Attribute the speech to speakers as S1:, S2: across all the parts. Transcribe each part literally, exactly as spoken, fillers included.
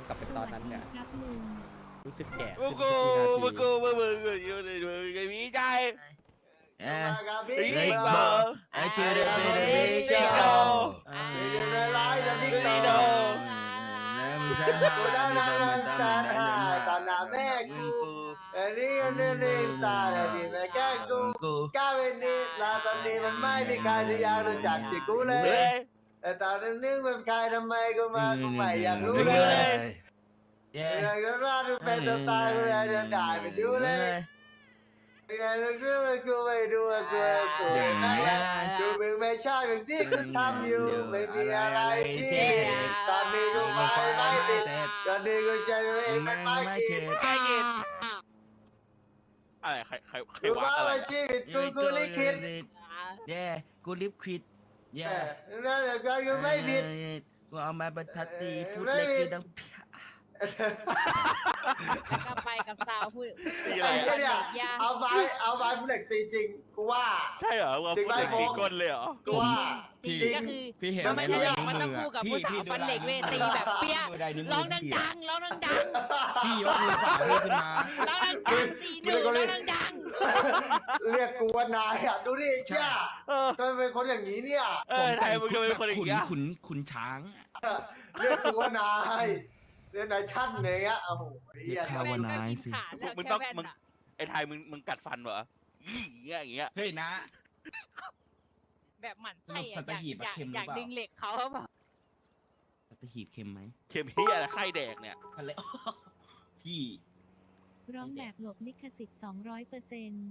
S1: กลับไปตอนนั้นเนี่ย
S2: ครับลุง
S1: รู้สึกแก่
S3: มึ
S1: ขึ้
S3: ง
S1: น
S3: กู
S1: ทุกวินา
S3: มึง
S1: ที
S3: กูมึงมึงอยู่ในมึงไอ้มีใจ
S4: เอ้ย
S3: ไอ้
S4: เฮ้ย
S3: บิ๊ก
S4: บบ อ
S3: อ
S4: ไอ้คิวเดนเบเดบิก
S3: บิ๊ก
S4: โต
S3: โต
S4: บิ๊ก
S3: ไอ้บิ๊กโต
S4: แล้วมึงใช่ไหมกูได้มาตามตามตามน้ำแม่กู
S5: อันนี้อันนี้นี่ตาอันนี้แม่แกกู
S4: กู
S5: ก้าวไปนี่ลาตอนนี้มันไม่มีใครที่อยากรู้จักชื่อกูเล
S3: เฮ้
S5: ย
S3: ย
S5: แต่ตอนนึงเป็นใครทำไมกูมากูไม่อยากรู้
S3: เฮ้
S5: เลย
S3: ย
S4: เย้
S5: อยากจะรู้ดูเป็นสไตล์กูอยากจะได้ไปดูเลยอยากจะรู้ว่ากูไม่ดูว่ากูสวยไหมกูมึงไม่ชอบอย่างที่กูทำอยู่ไม่มีอะไรที่ตอนนี้กูไม่ไม่ติดตอนนี้กูใจตัวเอง
S4: ไม่
S5: ไม่
S4: ไม่
S5: ไม่
S4: เข็
S5: คิด
S4: ด
S3: ไอ้กินอะไรใครใครใคร
S5: กู
S3: วะ
S5: ว่า
S3: อะไร
S5: ชีวิตกูกูลิขิต
S4: เย้กูลิฟควิดเย้
S5: นั่นแหละก็คือไม่ผิด
S4: กูเอามาบรรทัดตีฟุตเล็กคือดัง
S6: แล้วก็ไปกับสาวพูด
S3: ตีอะ
S5: ไอ้
S3: ไร
S5: เหี้ย
S3: อะ
S5: เนี่ยเอาไม้เอาไม้ผู้เหล็กตีจริงกูว่า
S3: ใช่เหรอว่า
S5: จริง
S3: พูด
S5: ไหม
S3: ถึง
S5: โฟ
S3: ตี
S5: ก
S3: ก้นเลยเหรอ
S5: กูว่า
S6: จริงๆก็คือ
S4: พี่เห็น
S6: มัน
S4: ไห
S6: ไม่
S4: ใน
S6: ใช่มันต้อง
S4: มื
S6: คู่กับ
S4: พี่
S6: ผู้สาว
S4: พี่
S6: ฟันเหล็กเวทีแบบเปี้ย
S4: ดูได้นิ้วมื
S6: ร้อง
S4: พี่
S6: ดังๆร้องดัง
S4: พี่ยกมือขวาพี่ขึ้นมา
S6: ๆร้องดังๆตีหนึ่งร้องดัง
S5: เรียกกูว่านายอ่ะดูดิเชี่ย
S3: เออ
S5: ทำไมเป็นคนอย่างนี้เนี่ย
S3: เออไทยมึงจะเป็นคนอย่าง
S4: ขุน
S3: เงี้ย
S4: ขุนขุนช้าง
S5: เรียกกูว่านายเรียกนายท่านอย่างเงี้ยโอ้โหเหี้ย
S4: เรียก
S6: ๆ
S4: ภาวนา
S6: แม่ง
S4: สิ
S6: ขาดแล้ว
S3: มึง
S6: แค่
S3: ต้อง
S6: แว่น
S3: มึง
S6: อะ
S3: ไอ้ไทยมึงมึงกัดฟันเหรออย่างเงี้ยอย่างเงี้ย
S4: เฮ้ยนะ
S6: แบบหมั่นไส้
S4: สั
S6: อะ
S4: ต
S6: อยาก
S4: หีบอะ
S6: อยาก
S4: เค็มหรือ
S6: อยาก
S4: เปล่า
S6: ดึงเหล็กเขาเขาบอก
S4: สัตหีบเค็มไหม
S3: เข็มเฮียอะไรไข้แดกเนี่ย
S4: ทะเลพี่
S2: ร้องแบบหลบลิขสิทธิ์สองร้อยเปอร์เซ็นต์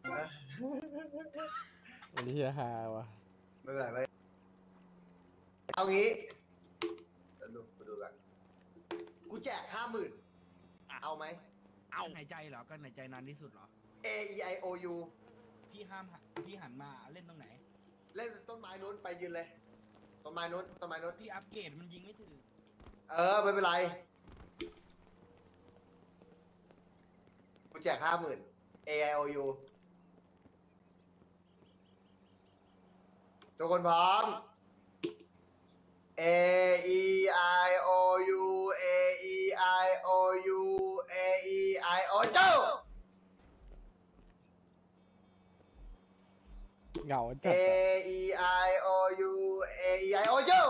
S1: อันนี้ฮาวะ
S5: ไม่เป็นไรไม่เอางี้เดี๋ยวดูกูดูกันกูแจกห้าหมื่นเอาไหม
S3: เอ้า
S4: กั้นหายใจเหรอกั้นหายใจนานที่สุดเหรอ
S5: A E I O U
S4: พี่ห้ามหันพี่หันมาเล่นตรงไหน
S5: เล่นต้นไม้นู้นไปยืนเลยต้นไม้นู้นต้นไม้นู้น
S4: พี่อัปเกรดมันยิงไม่ถึง
S5: เออไม่เป็นไรกูแจกห้าหมื่น A I O U ทุกคนพร้อม A E I O U A E I O U A E I O เจ้า
S1: เหงา
S5: A
S1: จัดอะ
S5: E I O U A E I O เจ้า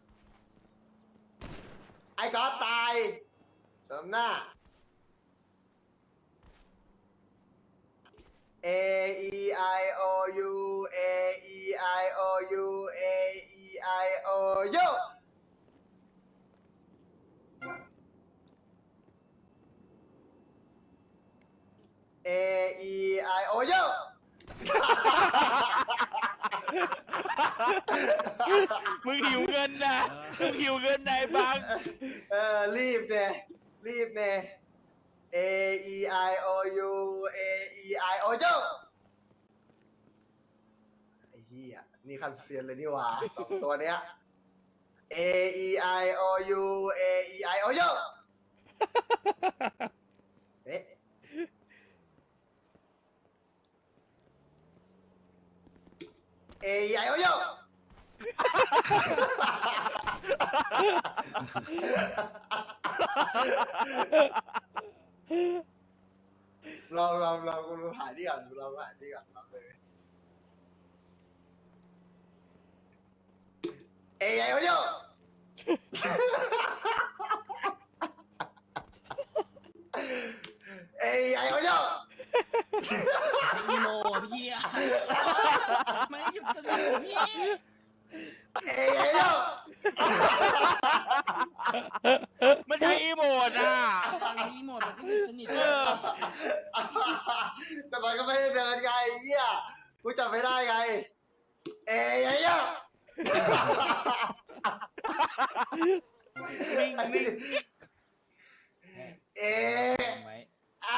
S5: ไอ้ก๊อตตายสมหน้า A E I O U A E I O U A E I O U A E I O U
S3: มึงหิวเงินนะมึงหิวเงินนายบัง
S5: เออรีบเนี่ยรีบเนี่ย A E I O U A E I O U ไอ้เหี้ยนี่คันเซียนเลยนี่หว่าสองตัวเนี้ย A E I O U A E I O U เอ๊ะ A E I O U ลองลองลองกูหาที่ก่อนกูลองหาที่ก่อนลองเลย เอ้ยไอ้โอโยเอ้ยไอ้โอโย
S4: อีโมพี่อะไม่หยุดสนิทพี่
S5: เอ้ยไอ้โอโย
S3: มันใช้อีโมดอ่ะ
S4: ฟังนี้หมดมันก็หยุดสนิท
S3: เออ
S5: แต่มันก็ไม่ได้เดินไงไอ้เหี้ยกูจำไม่ได้ไง เอ้ยไอ้โอโย
S3: นิ่งนิ่ง
S5: เอ๊ะ
S4: ไว้
S5: อ่ะ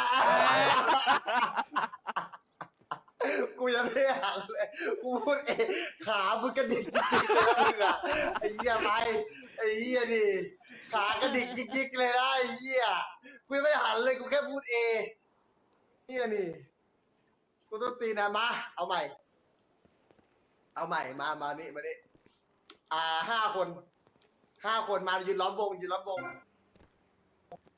S5: กูยังไม่ได้หันเลย กูพูดเองขามึงกระดิกยิกๆเลยนะมึงอะไอ้เหี้ยไปไอ้เหี้ยดิขากระดิกยิกๆเลยนะไอ้เหี้ยกูยังไม่ได้หันเลยกูแค่พูดเองเหี้ยนี่กูต้องตีนะมาเอาใหม่ เอาใหม่มามานี่มานี่อ่าห้าคนห้าคนมายืนล้อมวงยืนล้อมวง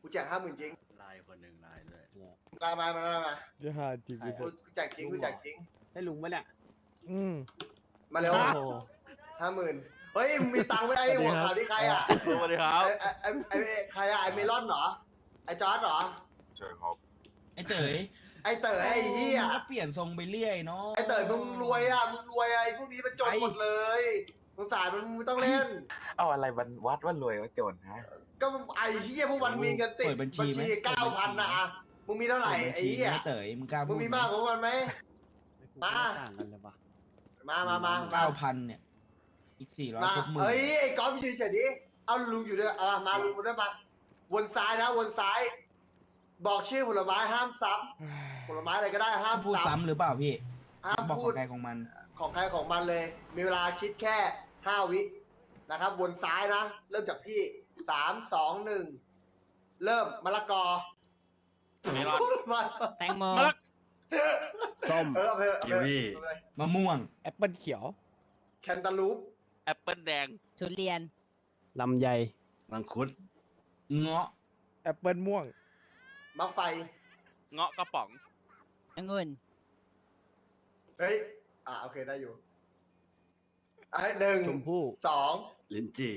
S5: แจกห้าหมื่นจริง
S4: ลายคนหนึ่งลายด้วย
S5: มามามามามา
S1: จะหาจริงกู
S5: กูกูแจกจริงกูแจกจริง
S7: ให้ลุงปะเนี่ย
S1: อืม
S5: มาเร็ว
S7: โอ้โห
S5: ห้าหมื่นเฮ้ยมึงมีตังค์ไม่ได้หัวขาวที่ใครอ่ะ
S3: สวัสดีครับ
S5: ไอ้ไอ้ไอ้ไอ้ใครอะไอ้เมลอนเหรอไอ้จอร์ดเหรอ
S4: ไอ้เต๋ย
S5: ไอ้เต๋อไอ้เหี้ย
S4: มึงก็เปลี่ยนทรงไปเรื่อยเนาะ
S5: ไอ้เต๋อมึงรวยอ่ะมึงรวยอะไอ้พวกนี้มันจนหมดเลยสงสารมันมึงต้องเล่น
S8: เอาอะไรวันวัดว่ารวยว่าจนฮะ
S5: ก็ไอ้เหี้ยพวกมันมีเงินติด
S4: เปิดบัญชีไหม
S5: เก้าพันนะอะมึงมีเท่าไหร่ไอ้เหี้ย
S4: ไอ้เต๋ยมึงกล้า
S5: มึ
S4: พู
S5: ง
S4: ด
S5: มีมากกว่ามันไหม มา
S7: ต่างกันเลยปะ
S5: มามามา
S4: เก้าพันเนี่ยอีกสี่ร้อย
S5: มา
S4: ครบหมื่น
S5: เอ้ยไอ้ก๊อฟยืนเฉยดิเอาลุงอยู่ด้วยเอามาลุงด้วยมาวนซ้ายนะวนซ้าย บอกชื่อผลไม้ห้ามซ้ำผลไม้อะไรก็ได้ห้าม
S4: พูด
S5: ซ้
S4: ซ้ำหรือเปล่าพี่
S5: ำห้าม
S4: บอก
S5: พู
S4: ขอ
S5: ด
S4: งใครของมัน
S5: ของใครของมันเลย มีเวลาคิดแค่ห้าวินะครับ วนซ้ายนะ เริ่มจากพี่สามสองหนึ่งเริ่มมะละกอ
S3: เมลอน
S5: มา
S6: แตงโม
S3: มะละ
S7: ส้ม
S5: เออเอาไปเอา
S4: กี
S5: ไป
S4: วี
S5: เอาไป
S4: มะม่วง
S1: แอปเปิลเขียว
S5: แคนตาลูป
S3: แอปเปิลแดง
S6: ทุเรียน
S7: ลำไย
S4: มังคุด เงาะ
S1: แอปเปิลม่วง
S5: มะไฟ
S3: เงาะกระป๋อง
S6: องุ่น
S5: เฮ้ย อ่าโอเคได้อยู่ไอ้หนึ่ง
S7: ชมพู่
S5: สอง
S4: ลิ้นจี่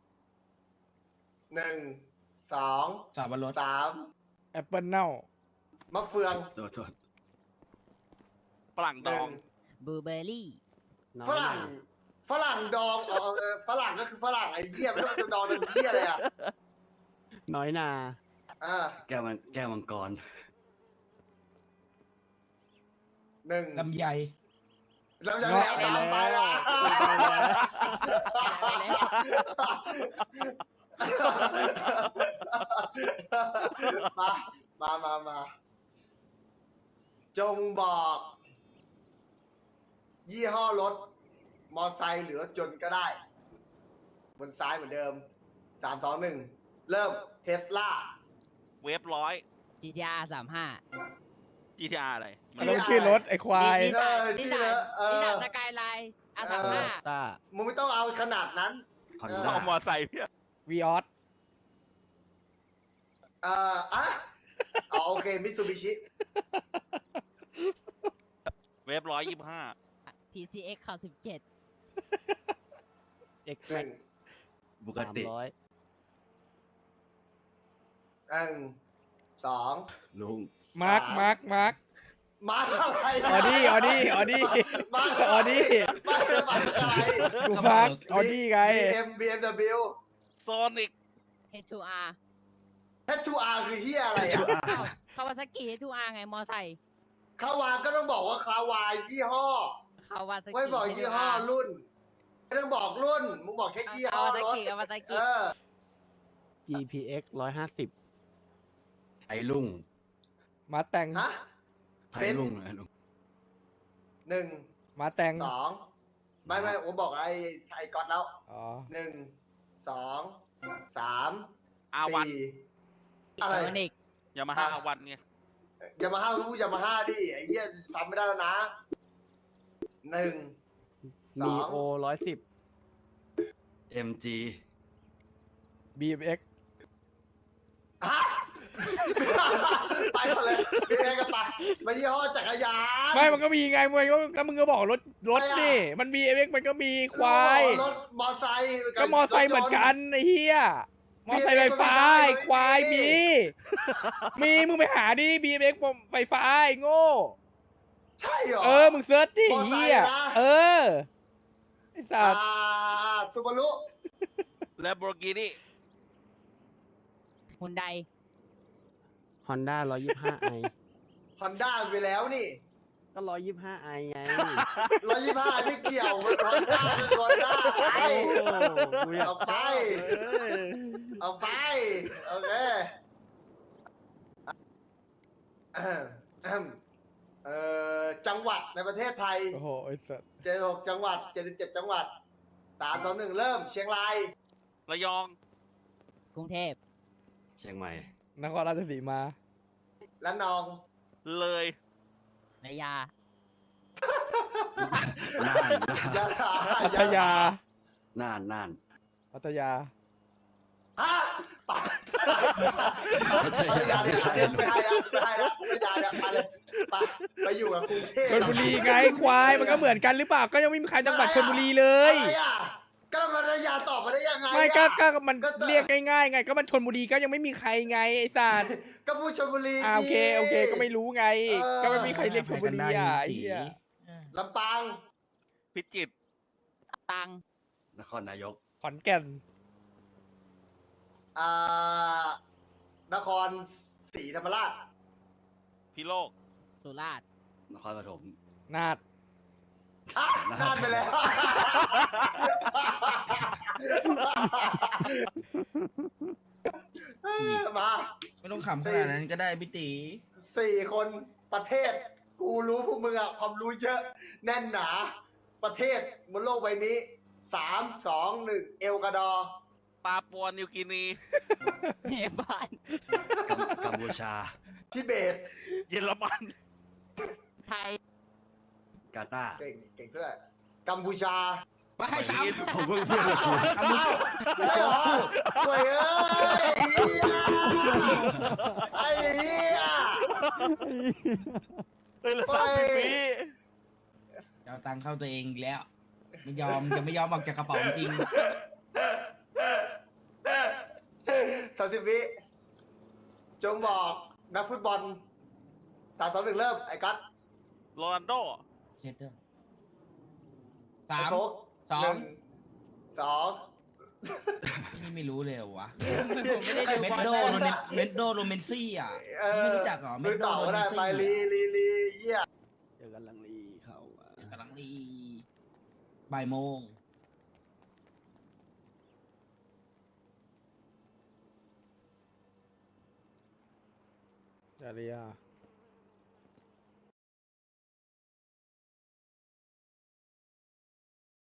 S5: หนึ่งสอง
S4: สับปะรด
S5: สาม
S1: แอปเปิลเน่าม
S5: ะเฟือง
S4: ตัวตัว
S3: ฝรั่ง
S5: ห
S3: ดอ
S5: นึ่
S3: ง
S5: ง
S6: บลูเบอร์รี่
S7: น้อย
S5: ฝรั่ง ฝรั่งดองเออเออฝรั่งก็คือฝรั่งไอ้เหี้ยไม่ต้องจะดองเป็นเหี้ยอะไรอ่ะ
S7: น้อยนา
S5: อ่า
S4: แก้วมังแก้วมังกร
S5: หนึ่ง
S4: ลำไย
S5: แล้วยังไงเอาสามไปอ่ะมา มา มา มา จงบอก ยี่ห้อรถ มอไซค์หรือรถยนต์ก็ได้ บนซ้ายเหมือนเดิม สาม สอง หนึ่ง เริ่ม เทสลา
S3: เวฟร้อย
S6: จี ที อาร์ สามห้า
S3: จี ที อาร์ อะไร
S1: มันต้องชื่อรถไอ้ควาย
S6: นิสสัน
S5: เออ
S6: นิส
S5: ชื่
S6: สั
S5: อน เออ
S6: นิสสันสกายไลน์อาสามห้า
S7: ต้า
S5: มึงไม่ต้องเอาขนาดนั้น
S4: ฮอน
S5: เออ
S3: ต้อง
S4: ด้า
S3: เอามอไซค์เพี่ย
S1: วีออส
S5: เอ่ออ่ะอ๋อโอเค มิตซูบิชิ
S3: เวฟร้อยยี่สิบห้า
S6: พี ซี เอ็กซ์ ข่าวสิบเจ็ด
S7: เอ็ก
S5: หนึ่ง
S4: บุก
S7: สาม
S4: ติ
S7: ร้อย
S5: หนึ่งสอง
S4: ลุง
S1: มาร์ค มาร์ค มาร์ค
S5: มาอะไร
S1: ออดี้ออดี้ออดี้
S5: มา
S1: ออดี้
S5: มามาอะไร
S1: กูมาร์คออดี้ไง
S5: บี เอ็ม บี เอ็ม ดับเบิลยู
S3: โซนิก
S6: เฮดทูอาร์
S5: เอช ทู อาร์ คือเฮียอะไรอ่ะ
S6: คาวาซากิเฮดทูอาร์ไง มอไซค์
S5: คาวาก็ต้องบอกว่าคาวายี่ห้อ
S6: คาวาซากิ
S5: ไม่บอกยี่ห้อรุ่น ไม่ต้องบอกรุ่น มึงบอกแค่ยี่
S6: คา
S5: ห้อ
S6: วาซาร
S5: ถ
S6: กิคาวาซา
S5: เอ
S6: กิ
S5: อ
S7: จี พี เอ็กซ์ ร้อยห้าสิบ
S4: ไอ้ลุง
S1: มาแตง
S5: ฮะ
S4: ไอ้ลุงไอ้ลุง
S5: หนึ่ง
S1: มาแตง
S5: สองไม่ไม่ผมบอกไอ้ไอ้ก๊อตแล้ว
S1: อ๋อ
S5: หนึ่งสองสาม
S3: อาวัน
S5: สี่อะไร
S6: โซนิก
S3: ยามาฮ่าอาวันไง
S5: อย่ามาห้าพูดอย่ามาห้าดิไอ้เหี้ยซ้ำไม่ได้แล้วนะหนึ่งส
S7: มี
S5: อง
S7: โอร้อยสิบ
S4: เอ็มจี
S1: บีเอ็มเอ็ก
S5: ฮะ ไปหมดเลยเรียกกันไปมายี่ห้อจักรยาน
S1: ไม่ มันก็มีไงมึงก็ก็มึงก็บอกรถ รถ
S5: ไม่อะ
S1: นี่ มันบีเอ็มเอ็กมันก็มีควาย
S5: รถมอไซค์
S1: ก็มอไซค์เหมือนกันไอ้เหี้ย มอไซค์ไฟฟ้าไอ้ควายมี มี มึงไปหาดิ บี เอ็ม เอ็กซ์ ไฟฟ้าไอ้โง่
S5: ใช่เหรอ
S1: เออ มึงเซิร์ชดิ
S5: มอไซค์
S1: เหี้ย
S5: นะ
S1: เออ ไอ้สัตว์
S5: อ่าซูบารุ
S3: และโบรกินี่
S6: ฮุนได
S7: ฮอนด้าร้อยยี่ห้าไอ
S5: ฮอนด้าไปแล้วนี่
S7: ก็ร้อยยี่ห้าไอไง
S5: ร้อยยี่ห้าไม่เกี่ยวมันฮอนด้าคือฮอนด้าไป
S7: โอ้กูอยาก
S5: เอาไป
S7: เออ
S5: เอาไป โอเคอ่ะอ่ะเอ่อจังหวัดในประเทศไทย
S1: โอ้โห ไอ้สัตว์
S5: เจ็ดสิบหกจังหวัดเจ็ดสิบเจ็ดจังหวัดสามสองหนึ่งเริ่ม เชียงราย
S3: ระยอง
S6: กรุงเทพ
S4: เชียงใหม่
S1: นครราชสีมา
S5: และนอง
S3: เลย
S6: ระยา
S4: น่าน
S5: ยะลา
S1: พัทยา
S4: น่านน่าน
S1: พัทยา
S5: ฮะปะพัทยาเนี่ยไม่ได้แล้วไม่ได้แล้วพัทยาเนี่ยไปเลยไปไปอยู่กับกรุงเทพ
S1: ชลบุรีไงควายมันก็เหมือนกันหรือเปล่าก็ยังไม่มีใครจังหวัดชลบุรีเลย
S5: อะไรอ่ะก็พัทยาตอบมาได้ยังไง
S1: ไม่ก็
S5: อ่ะ
S1: ก็มันเรียกง่ายๆไงก็มันชลบุรีก็ยังไม่มีใครไงไอ้สัตว์
S5: ก็พูดชลบุรี
S1: อ่าโอเคโอเคก็ไม่รู้ไง
S5: เออ
S1: ก็ไม่มีใครเรียกชลบุรีอ่ะไอ้เหี้ย
S5: ลำปาง
S3: พิจิตร
S6: ตัง
S4: นครนายก
S1: ขอนแก่น
S5: อ่านครศรีธรรมราช
S3: พิโลก
S6: สุราษฎร์
S4: นครปฐม
S1: นาด
S5: อ่ะนานไปแล้ว มา
S4: ไม่ต้องขำขนาดนั้นก็ได้พี่ตี
S5: สี่คนประเทศ กูรู้พวกมึงอะความรู้เยอะ แน่นหนา ประเทศบนโลกใบนี้สามสองหนึ่งเอลกวาดอร์
S3: ปาปัวนิวกินี
S6: เนปาล
S4: กัมพูชา
S5: ทิเบต
S3: เยอรมัน
S6: ไทย
S4: กาตาร์
S5: เก่งเก่งด้วยกัมพูชา
S4: ไม่ให้ซ้ำผมเพิ่งพูดเมื่อกี้
S5: อ้าวไม่เหรอห่วยเอ้ยไอ้เหี้ย
S3: เฮ้ยเหลือ
S5: ไป
S3: สามสิบวิ
S4: จะเอาตังค์เข้าตัวเองอีกแล้ว ไม่ยอมจะไม่ยอมออกจากกระเป๋าจริง
S5: สามสิบวิจงบอกนักฟุตบอลสามสองหนึ่งเริ่ม ไอ้กัส
S3: โรนัลโด
S4: เช็ดเด้อ
S5: ไอ้
S4: สาม
S5: โฟก
S4: สอง
S5: หนึ่งสอง
S4: นี่ไม่รู้เลยเหรอวะ
S6: ผมไม่ได้ดู
S4: เมด
S6: บอล
S4: โด
S6: เลย
S4: โรเนเมดโดโรเมนซี่อ่ะ
S5: เออ
S4: ไม่รู้จักเหรอเม
S5: ไม่
S4: ดโด
S5: ต่อ
S4: โร
S5: ก็
S4: เม
S5: ได้
S4: นซี่
S5: ไปลีลีลีเยี่ย
S7: เดี๋ยวกำลังรีเข้ามา
S4: กำลังดีบ่ายโมง
S1: จาริยา